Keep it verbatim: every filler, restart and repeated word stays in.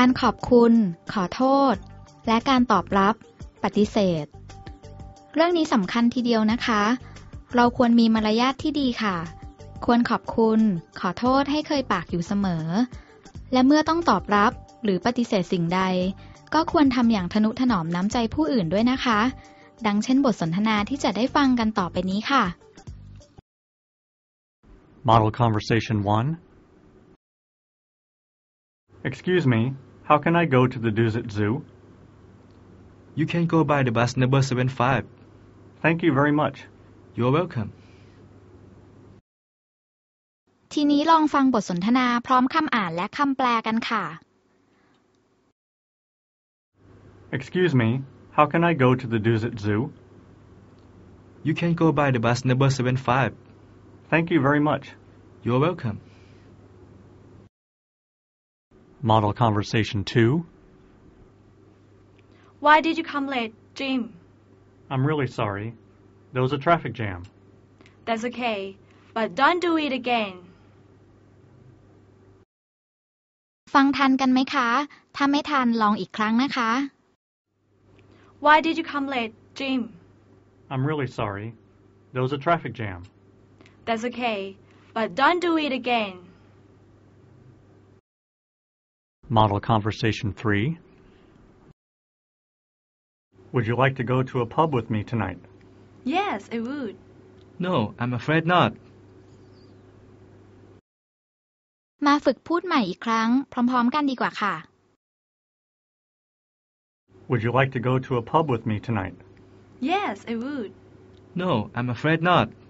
การขอบคุณขอโทษและการตอบรับปฏิเสธเรื่องนี้สำคัญทีเดียวนะคะเราควรมีมารยาทที่ดีค่ะควรขอบคุณขอโทษให้เคยปากอยู่เสมอและเมื่อต้องตอบรับหรือปฏิเสธสิ่งใดก็ควรทำอย่างทนุถนอมน้ำใจผู้อื่นด้วยนะคะดังเช่นบทสนทนาที่จะได้ฟังกันต่อไปนี้ค่ะ Model Conversation one. Excuse me, how can I go to the Dusit Zoo? You can go by the bus number seventy-five. Thank you very much. You're welcome. ทีนี้ลองฟังบทสนทนาพร้อมคำอ่านและคำแปลกันค่ะ Excuse me, how can I go to the Dusit Zoo? You can go by the bus number seventy-five. Thank you very much. You're welcome. Model Conversation two. Why did you come late, Jim? I'm really sorry. There was a traffic jam. That's okay, but don't do it again. ฟังทันกันไหมคะถ้าไม่ทันลองอีกครั้งนะคะ Why did you come late, Jim? I'm really sorry. There was a traffic jam. That's okay, but don't do it again. Model Conversation three. Would you like to go to a pub with me tonight? Yes, I would. No, I'm afraid not. มาฝึกพูดใหม่อีกครั้งพร้อมๆกันดีกว่าค่ะ Would you like to go to a pub with me tonight? Yes, I would. No, I'm afraid not.